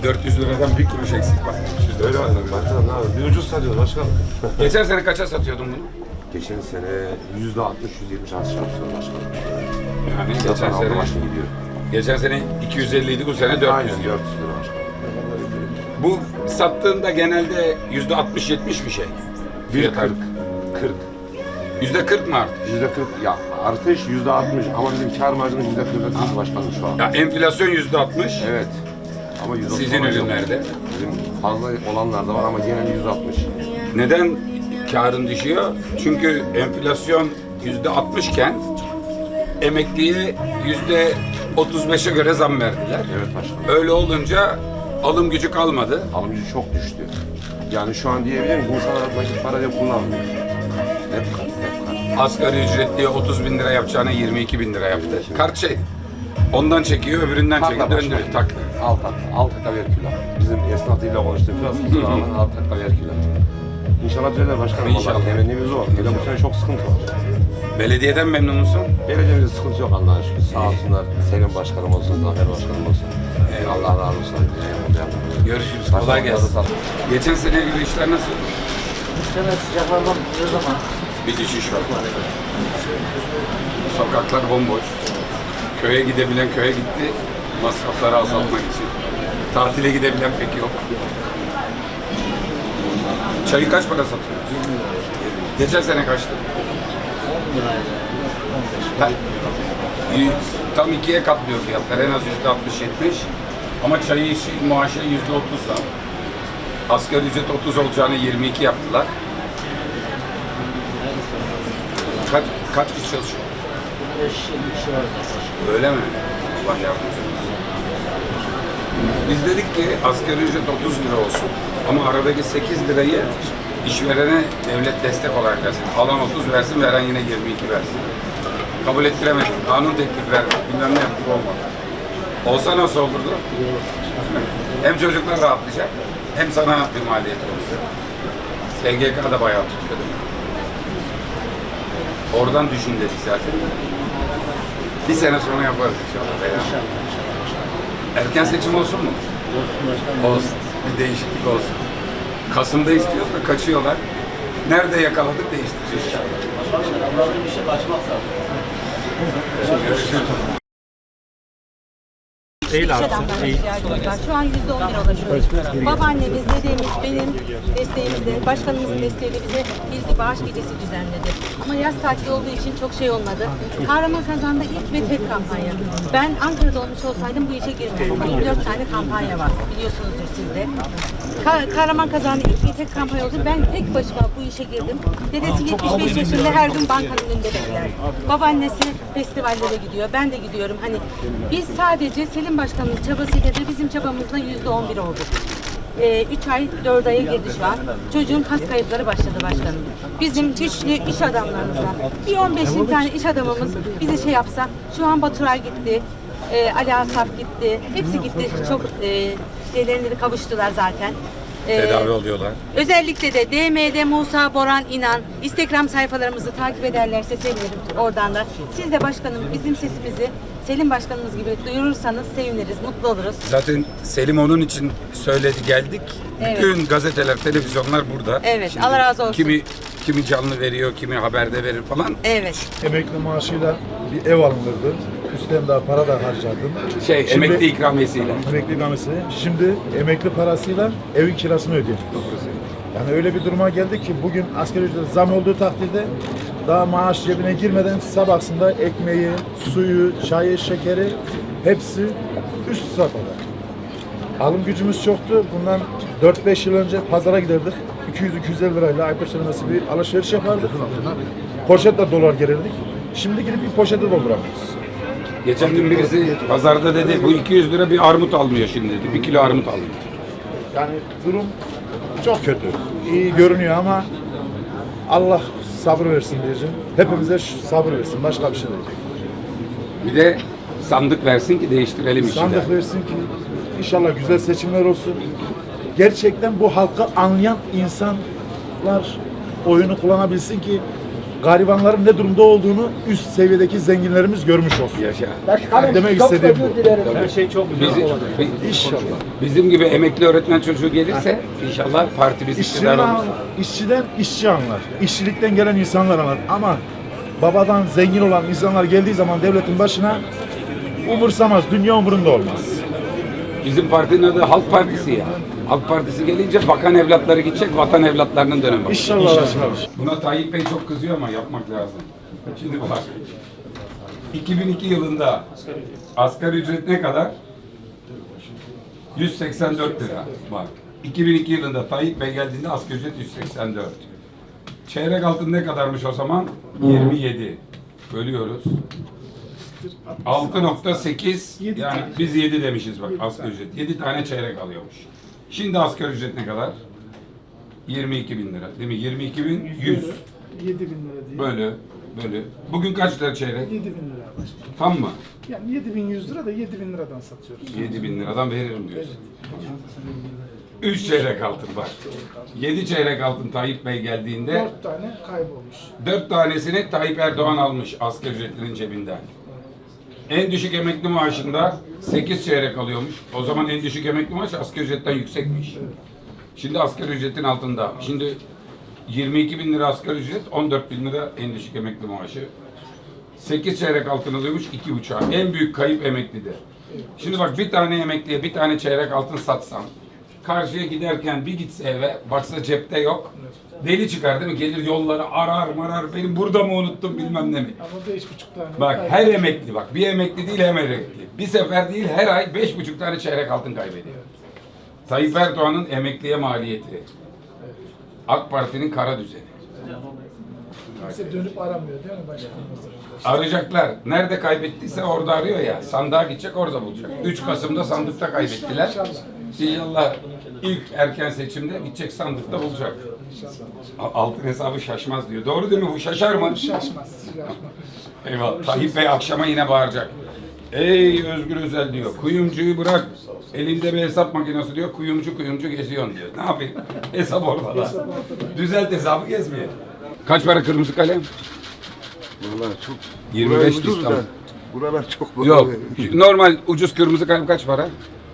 400 liradan bir kuruş eksik bak. 300 Öyle lira. başkanım, ne yapalım? Bir ucuz satıyoruz başkanım. Geçen sene kaça satıyordun bunu? Geçen sene %60-%70 artış yapıyoruz başkanım. Yani Zaten geçen aldı sene, başını gidiyor. geçen sene 250 idi, bu sene 400 Aynen diyor. 400 lira başkanım. Bu sattığında genelde %60-70 bir şey. Fiyat %40. 40. %40 mı arttı? %40 ya artış %60 ama bizim kar marjımız %40'a düştü başkanım şu an. Ya enflasyon %60. Evet. Ama %30 Sizin olan yok. ürünlerde. Bizim fazla olanlar da var ama genel %60. Neden karın düşüyor? Çünkü enflasyon %60 iken emekliye %35'e göre zam verdiler. Evet başkanım. Öyle olunca alım gücü kalmadı. Alım gücü çok düştü. Yani şu an diyebilirim ki insanlar nakit para diye kullanmıyor. Hep kart, hep kart. Asgari ücretliye 30 bin lira yapacağına 22 bin lira yaptı. Kart şey, ondan çekiyor, öbüründen Takla çekiyor, başkanım. döndürüyor, takla. Alt taka ver kilo. Bizim esnafıyla konuştuğumuz kusura bakmayın alt taka ver kilo. İnşallah düzelir başkanım. İnşallah. İnşallah. Temennimiz o. Hele bu sene çok sıkıntı var. Belediyeden memnun musun? Belediyemizde sıkıntı yok Allah'a şükür. Sağ olsunlar. Selim Başkanım olsun, Zafer Başkanım olsun. Allah razı olsun. Görüşürüz, kolay gelsin. Geçen seneye göre işler nasıl? Bu sene sıcaklardan ne zaman? Bir düşüş var. Sokaklar bomboş. Köye gidebilen köye gitti, masrafları azaltmak için. Tatile gidebilen pek yok. Çayı kaç para satıyoruz? Geçen sene kaçtı? 10 liraydı. 15 Ha, tam ikiye katlıyor fiyatlar. En az %60-70. Ama çayı maaşı %30 zam. Asgari ücret 30 olacağını 22 yaptılar. Kaç kişi çalışıyor? 5 kişi var. Öyle mi? Allah yardımcı olsun. Biz dedik ki asgari ücret 30 lira olsun. Ama aradaki 8 lirayı işverene devlet destek olarak versin. Alan 30 versin, veren yine 22 versin. Kabul ettiremedik. Kanun teklif verdik. Bilmem ne yaptık, olmadı. Olsa nasıl olurdu? Hem çocuklar rahatlayacak, hem sana bir maliyet olacak. SGK da bayağı tutuyor değil mi? Oradan düşün dedik zaten. Bir sene sonra yaparız inşallah. Veya. Erken seçim olsun mu? Olsun başkanım. Olsun. Bir değişiklik olsun. Kasım'da istiyoruz da kaçıyorlar. Nerede yakaladık değiştireceğiz inşallah. Başkanım, Allah'ın bir şey kaçmak lazım. Görüşürüz. İş adamlarına ihtiyacımız var. Şu an %11 ulaşıyoruz. Babaannemiz, dedemiz, benim desteğimizle, başkanımızın desteğiyle bize bir bağış gecesi düzenledi. Ama yaz tatili olduğu için çok şey olmadı. Kahramanmaraş'ta ilk ve tek kampanya. Ben Ankara'da olmuş olsaydım bu işe girmezdim. 24 tane kampanya var. Biliyorsunuzdur siz de. Kahramanmaraş'ta ilk ve tek kampanya oldu. Ben tek başıma bu işe girdim. Dedesi 75 yaşında, her gün bankanın önünde bekler. Babaannesi festivallere gidiyor. Ben de gidiyorum. Hani biz sadece Selim Başkan'ın çabasıyla da bizim çabamızla %11 olduk. 3 ay, 4 aya girdi şu an. Çocuğun kas kayıpları başladı başkanım. Bizim güçlü iş adamlarımızdan bir 15-20 tane iş adamımız bize şey yapsa, şu an Baturay gitti, Ali Asaf gitti, hepsi gitti. Çok şeylerine de kavuştular zaten. Tedavi oluyorlar. Özellikle de DM'de Musa Boran İnan Instagram sayfalarımızı takip ederlerse sevinirim oradan da. Siz de başkanım bizim sesimizi Selim Başkanımız gibi duyurursanız seviniriz, mutlu oluruz. Zaten Selim onun için söyledi, geldik. Evet. Bütün gazeteler, televizyonlar burada. Evet, Allah razı olsun. Kimi canlı veriyor, kimi haberde verir falan. Evet. Emekli maaşıyla bir ev alınırdı. Üstten daha para da harcardım. Şimdi- Emekli ikramiyesiyle. Emekli ikramiyesi. Şimdi emekli parasıyla evin kirasını ödüyor. Yani öyle bir duruma geldi ki bugün asgari ücret zam olduğu takdirde daha maaş cebine girmeden sabahsında ekmeği, suyu, çayı, şekeri hepsi üst safhada. Alım gücümüz çoktu. Bundan 4-5 yıl önce pazara giderdik. 200-250 lirayla aybaşı nasıl bir alışveriş yapardık. Poşetle dolar gelirdik. Şimdi gidip bir poşete dolduramıyoruz. Geçen gün birisi pazarda dedi, bu 200 lira bir armut almıyor şimdi dedi. 1 kilo armut alıyor. Yani durum çok kötü. İyi görünüyor ama Allah sabır versin diyeceğim. Hepimize sabır versin. Başka bir şey değil. Bir de sandık versin ki değiştirelim işi de. Sandık versin ki inşallah güzel seçimler olsun. Gerçekten bu halkı anlayan insanlar oyunu kullanabilsin ki garibanların ne durumda olduğunu üst seviyedeki zenginlerimiz görmüş olsun. Yaşa. Yani demek istediğim bu. Her şey çok güzel olacak. İnşallah. Bizim gibi emekli öğretmen çocuğu gelirse inşallah partimiz iktidar olur. İşçiden işçi anlar. İşçilikten gelen insanlar anlar. Ama babadan zengin olan insanlar geldiği zaman devletin başına umursamaz. Dünya umurunda olmaz. Bizim partinin adı Halk Partisi ya. Halk Partisi gelince bakan evlatları gidecek, vatan evlatlarının dönemi. İnşallah. Buna Tayyip Bey çok kızıyor ama yapmak lazım. Şimdi bak. 2002 yılında asgari ücret ne kadar? 184 lira. Bak. 2002 yılında Tayyip Bey geldiğinde asgari ücret 184. Çeyrek altın ne kadarmış o zaman? 27. Bölüyoruz. 6.8 yani biz 7 demişiz bak asgari ücret. 7 tane çeyrek alıyormuş. Şimdi asgari ücret ne kadar? 22 bin lira değil mi? 22 bin 100 7 bin lira diye. bölü. Bugün kaç lira çeyrek? 7 bin lira başlıyor. Tam mı? Yani 7100 lira da 7 bin liradan satıyoruz. 7 bin liradan veririm diyorsun. 3 çeyrek altın bak. 7 çeyrek altın Tayyip Bey geldiğinde 4 tane kaybolmuş. 4 tanesini Tayyip Erdoğan almış asgari ücretlinin cebinden. En düşük emekli maaşında 8 çeyrek alıyormuş. O zaman en düşük emekli maaş asgari ücretten yüksekmiş. Şimdi asgari ücretin altında. Şimdi 22 bin lira asgari ücret, 14 bin lira en düşük emekli maaşı. 8 çeyrek altın alıyormuş, 2,5. En büyük kayıp emeklide. Şimdi bak bir tane emekliye bir tane çeyrek altın satsam, karşıya giderken bir gitse eve, baksa cepte yok. Deli çıkar değil mi? Gelir yolları arar marar, benim burada mı unuttum bilmem ne mi? Ama 5,5 tane. Bak her emekli bak, bir emekli değil hem emekli. Bir sefer değil her ay 5,5 tane çeyrek altın kaybediyor. Tayyip Erdoğan'ın emekliye maliyeti. AK Parti'nin kara düzeni. Kimse dönüp aramıyor değil mi başkanımız? Arayacaklar. Nerede kaybettiyse orada arıyor ya. Sandığa gidecek orada bulacak. 3 Kasım'da sandıkta kaybettiler. İnşallah ilk erken seçimde gidecek sandıkta bulacak. Altın hesabı şaşmaz diyor. Doğru değil mi? Bu şaşar mı? Şaşmaz. Eyvallah. Tayyip Bey akşama yine bağıracak. Ey Özgür Özel diyor. Kuyumcuyu bırak. Elinde bir hesap makinesi diyor. Kuyumcu geziyorsun diyor. Ne yapayım? Hesap ortada. Düzelt hesabı gezmeye. Kaç para kırmızı kalem? Vallahi çok 25 buralar ucuz da, İstanbul. buralar çok Yok. Normal ucuz kırmızı kalem kaç para?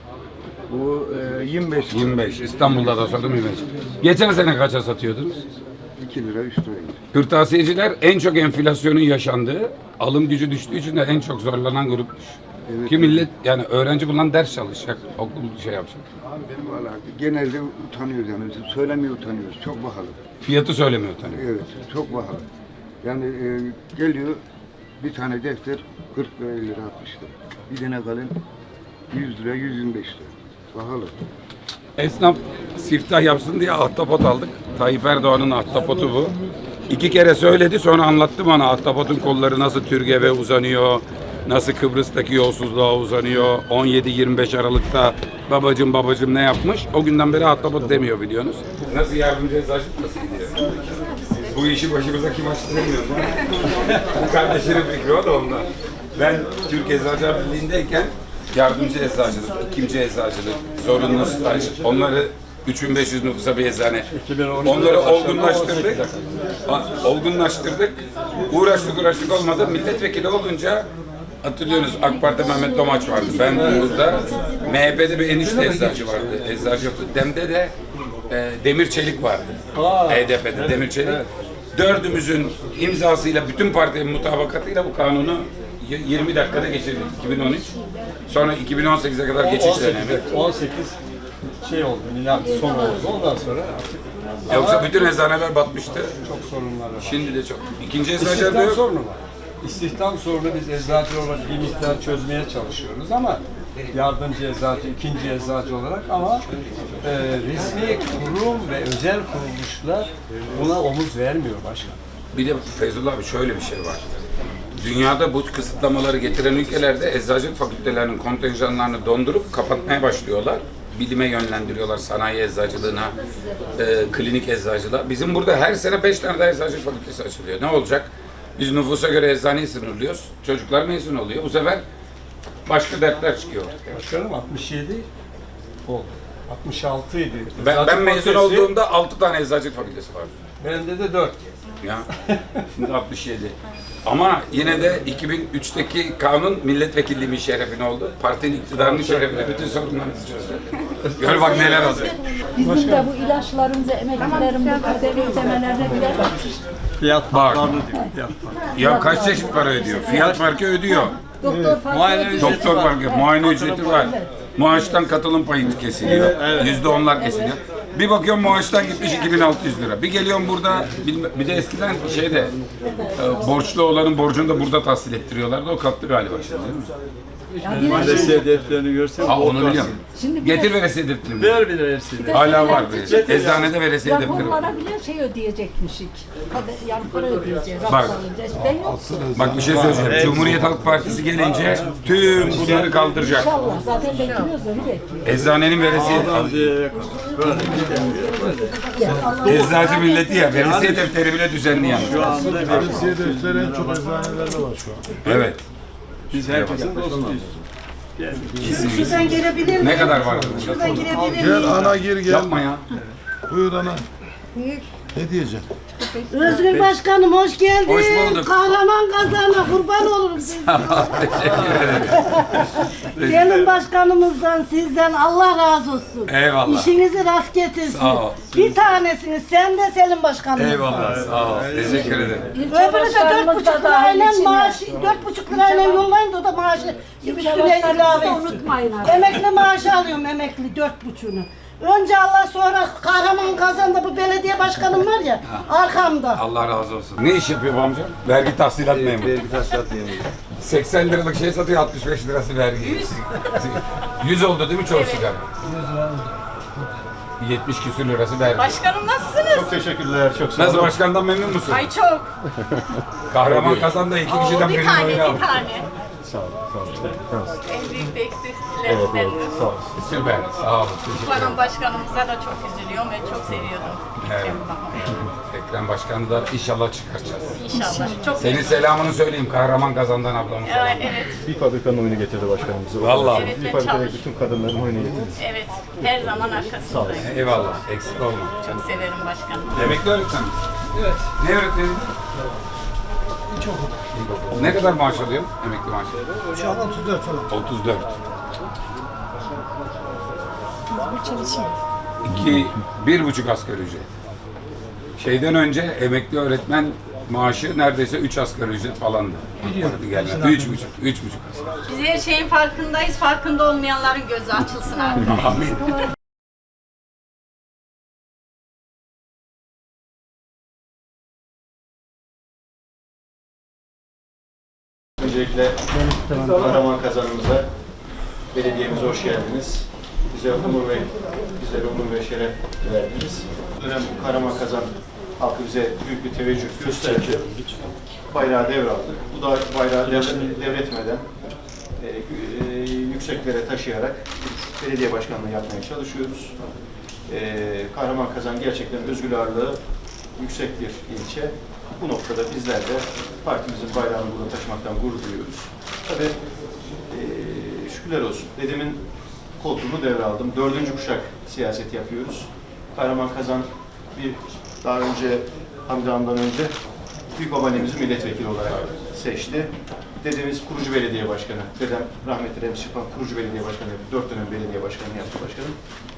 Bu 25 25. İstanbul'da da sordum 25. Geçen sene kaça satıyordunuz? 2 lira 3 lira. Kırtasiyeciler en çok enflasyonun yaşandığı, alım gücü düştüğü için de en çok zorlanan grupmuş. Evet. Ki millet yani öğrenci bundan ders çalışacak, okul şey yapacak. Vallahi genelde utanıyoruz yani. Söylemeye utanıyoruz. Çok pahalı. Fiyatı söylemiyor tabii. Evet, çok pahalı. Yani geliyor bir tane defter 40 lira 50 lira 60 lira. Bir tane kalem 100 lira 125 lira. Pahalı. Esnaf siftah yapsın diye ahtapot aldık. Tayyip Erdoğan'ın ahtapotu bu. 2 kere söyledi sonra anlattı bana ahtapotun kolları nasıl Türgev'e uzanıyor. Nasıl Kıbrıs'taki yolsuzluğa uzanıyor. 17-25 Aralık'ta babacım ne yapmış. O günden beri ahtapot demiyor biliyorsunuz. Nasıl yardımcı eczacılık nasıl gidiyor? Bu işi başımıza kim açtı bilmiyorum. Bu kardeşinin fikri o da ondan. Ben Türk Eczacılar Birliği'ndeyken yardımcı eczacılık, ikinci eczacılık, zorunlu staj, onları 3500 nüfusa bir eczane. Onları olgunlaştırdık. Uğraştık olmadı. Milletvekili olunca hatırlıyorsunuz AK Parti Mehmet Domaç vardı. Ben burada MHP'de bir enişte eczacı vardı. Eczacı yoktu. DEM'de de Demir Çelik vardı. HDP'de Demir Çelik. Dördümüzün imzasıyla, bütün partinin mutabakatıyla bu kanunu 20 dakikada geçirdik 2013. Sonra 2018'e kadar geçiş dönemi. 18 şey oldu, milat son oldu. Ondan sonra artık Yoksa bütün eczaneler batmıştı. çok sorunlar var. Şimdi de çok. İkinci eczacılar da İstihdam yok. sorunu var. İstihdam sorunu biz eczacı olarak bir miktar çözmeye çalışıyoruz ama yardımcı eczacı, ikinci eczacı olarak ama resmi kurum ve özel kuruluşlar buna omuz vermiyor başkan. Bir de Feyzullah abi şöyle bir şey var. Dünyada bu kısıtlamaları getiren ülkelerde eczacılık fakültelerinin kontenjanlarını dondurup kapatmaya başlıyorlar. Bilime yönlendiriyorlar, sanayi eczacılığına, klinik eczacılığa. Bizim burada her sene 5 tane daha eczacılık fakültesi açılıyor. Ne olacak? Biz nüfusa göre eczaneyi sınırlıyoruz. Çocuklar mezun oluyor. Bu sefer başka dertler çıkıyor. Başkanım 67 oldu. 66 idi. Ben Eczacı mezun fakültesi- olduğumda 6 tane eczacılık fakültesi vardı. Bende de 4 kez. Ya şimdi 67. Ama yine de 2003'teki kanun milletvekilliğimin şerefine oldu. Partinin iktidarının şerefine bütün sorunlarımızı çözdü. Gör bak neler oldu. Bizim de bu ilaçlarımızı, emeklilerimizi, ödeme ödemelerine birer Fiyat Bak. farklarını diyor. Fiyat farkı. Ya kaç çeşit para ödüyor? Fiyat farkı ödüyor. doktor farkı Muayene ödüyor. ücreti Doktor var. farkı, muayene ücreti var. Maaştan katılım payı kesiliyor. Evet. %10'lar kesiliyor. Bir bakıyorum maaştan gitmiş 2600 lira. Bir geliyorum burada, bir de eskiden şeyde borçlu olanın borcunu da burada tahsil ettiriyorlardı. O kalktı galiba şimdi değil mi? Ya bir de Veresiye defterini görsen Ha onu biliyorum. Şimdi bir de Getir veresiye defterini. ver bir veresiye. Hala var. Eczanede veresiye defteri var. raporlara bile şey ödeyecekmişik. Yani para ödeyeceğiz. Bak. Rapor alacağız. Ben yok. Bak bir şey söyleyeceğim. Cumhuriyet Halk Partisi gelince tüm bunları kaldıracak. İnşallah. Zaten bekliyoruz onu bekliyoruz. Eczanenin veresiye Böyle gidemiyor. Eczacı milleti ya. Veresiye defteri bile düzenli yani. Şu anda bir- Veresiye defteri en çok eczanelerde var şu an. Evet. biz herkesin dostuyuz. Şuradan gelebilir miyim? Ne kadar var? Şuradan girebilir Gel miyim? ana gir gel. Yapma ya. Buyur ana. Ne diyeceksin? Özgür Başkanım hoş geldin. Hoş bulduk. Kahraman kazana kurban olurum sizden. Teşekkür ederim. Senin başkanımızdan sizden Allah razı olsun. Eyvallah. İşinizi rast getirsin. Sağ ol. Bir tanesiniz sen de Selim Başkanımızdan. Eyvallah. Sağ ol. Teşekkür ederim. İlçe Öbürü de başkanımız da 4,5 dahil lirayla içine. maaşı, 4,5 lirayla yollayın da o da maaşı üstüne başkanımızı ilave da etsin. unutmayın artık. Emekli maaşı alıyorum emekli 4,5'unu. Önce Allah sonra Kahraman Kazan'da bu belediye başkanım var ya arkamda. Allah razı olsun. Ne iş yapıyor bu amca? Vergi tahsilat memuru. Vergi tahsilat memuru. 80 liralık şey satıyor, 65 lirası vergi. 100 oldu değil mi çoğu sigara? 70 küsür lirası vergi. Başkanım nasılsınız? Çok teşekkürler, çok sağ Nasıl olun. başkandan memnun musun? Ay çok. Kahraman Kazan'da iki Oo, kişiden bir birinin tane, oyunu aldı. bir tane. Sağ olun, sağ olun. En büyük de eksikliklerimden. Sağ olun. Süper, sağ olun. Teşekkür ederim. Baran başkanımıza da çok üzülüyorum ve çok seviyordum. Evet. Ekrem Başkan'ı da inşallah çıkaracağız. İnşallah. Çok Senin selamını söyleyeyim Kahraman Kazan'dan ablamın selamı. Evet, Bir fabrikanın oyunu getirdi başkanımızı. Vallahi. Evet, Bir ve fabrikadaki çalış. bütün kadınların oyunu getirdi. Evet, her zaman arkasındayım. Eyvallah, eksik olma. Çok severim başkanım. Emekli öğretmen misin? Evet. Ne öğretmeni? İlkokul. Ne kadar maaş alıyor emekli maaşı? Şu an 34 falan. 34. Bir buçuk asgari ücret. Şeyden önce emekli öğretmen maaşı neredeyse 3 asgari ücret falandı. Biliyorum. 3,5 asgari. Biz her şeyin farkındayız. Farkında olmayanların gözü açılsın artık. Amin. Öncelikle Kahraman Kazanımıza, belediyemize hoş geldiniz. Bizlere onur ve şeref verdiniz. Bu dönem Kahraman Kazan halkı bize büyük bir teveccüh gösterdi. Bayrağı devraldık. Bu da bayrağı devretmeden yükseklere taşıyarak belediye başkanlığı yapmaya çalışıyoruz. Kahraman Kazan gerçekten özgür ağırlığı yüksek bir ilçe. Bu noktada bizler de partimizin bayrağını burada taşımaktan gurur duyuyoruz. Tabii şükürler olsun. Dedemin koltuğunu devraldım. 4. kuşak siyaset yapıyoruz. Kahraman Kazan daha önce Hamdi Han'dan önce büyük babaannemizi milletvekili olarak seçti. Dedemiz kurucu belediye başkanı. Dedem rahmetli Remzi Şıkman kurucu belediye başkanı yaptı. 4 dönem belediye başkanı yaptı başkanım.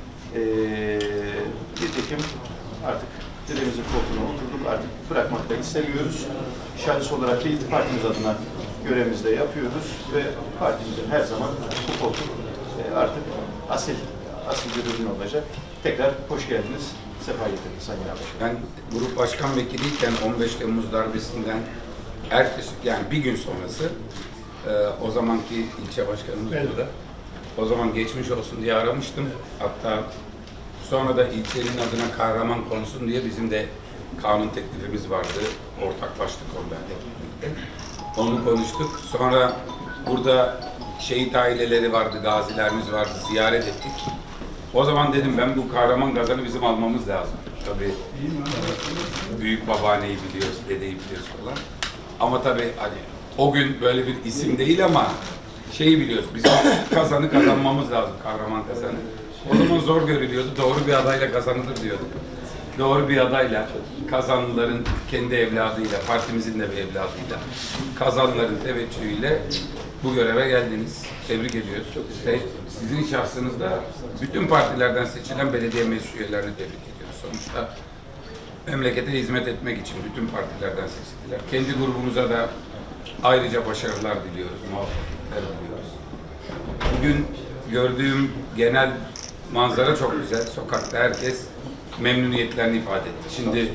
Nitekim artık dedemizin koltuğuna oturduk. Artık bırakmak da istemiyoruz. Şahıs olarak değil, partimiz adına görevimizi de yapıyoruz ve partimizin her zaman bu koltuk artık asil bir ürün olacak. Tekrar hoş geldiniz. Sefa getirdiniz Sayın Başkanım. Ben grup başkan vekiliyken 15 Temmuz darbesinden ertesi, yani bir gün sonrası o zamanki ilçe başkanımız burada. O zaman geçmiş olsun diye aramıştım. Hatta sonra da ilçenin adına kahraman konulsun diye bizim de kanun teklifimiz vardı. Ortaklaştık orada hep birlikte. Onu konuştuk. Sonra burada şehit aileleri vardı, gazilerimiz vardı, ziyaret ettik. O zaman dedim ben bu Kahraman Kazan'ı bizim almamız lazım. Tabii büyük babaanneyi biliyoruz, dedeyi biliyoruz falan. Ama tabii hani o gün böyle bir isim değil ama şeyi biliyoruz, bizim Kazan'ı kazanmamız lazım, Kahraman Kazan'ı. O zaman zor görülüyordu, doğru bir adayla kazanılır diyorduk. doğru bir adayla, Kazanlıların kendi evladıyla, partimizin de bir evladıyla, Kazanlıların teveccühüyle bu göreve geldiniz. Tebrik ediyoruz. Sizin şahsınızda bütün partilerden seçilen belediye meclis üyelerini tebrik ediyoruz. Sonuçta memlekete hizmet etmek için bütün partilerden seçildiler. Kendi grubumuza da ayrıca başarılar diliyoruz, muvaffakiyetler diliyoruz. Bugün gördüğüm genel manzara çok güzel. Sokakta herkes memnuniyetlerini ifade etti. Şimdi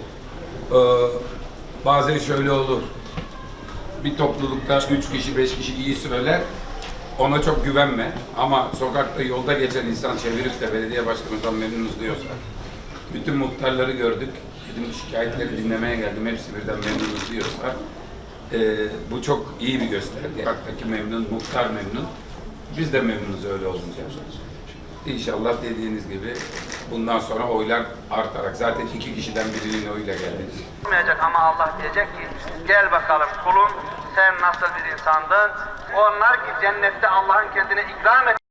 bazen şöyle olur. Bir toplulukta 3 kişi, 5 kişi iyi söyler. Ona çok güvenme. Ama sokakta yolda geçen insan çevirip de belediye başkanımızdan memnunuz diyorsa, bütün muhtarları gördük. Dedim şikayetleri dinlemeye geldim. Hepsi birden memnunuz diyorsa, bu çok iyi bir gösterge. Sokaktaki memnun, muhtar memnun. Biz de memnunuz öyle olunca. İnşallah dediğiniz gibi bundan sonra oylar artarak, zaten 2 kişiden birinin oyuyla geldiniz. Olmayacak ama Allah diyecek ki gel bakalım kulum sen nasıl bir insandın? Onlar ki cennette Allah'ın kendine ikram et.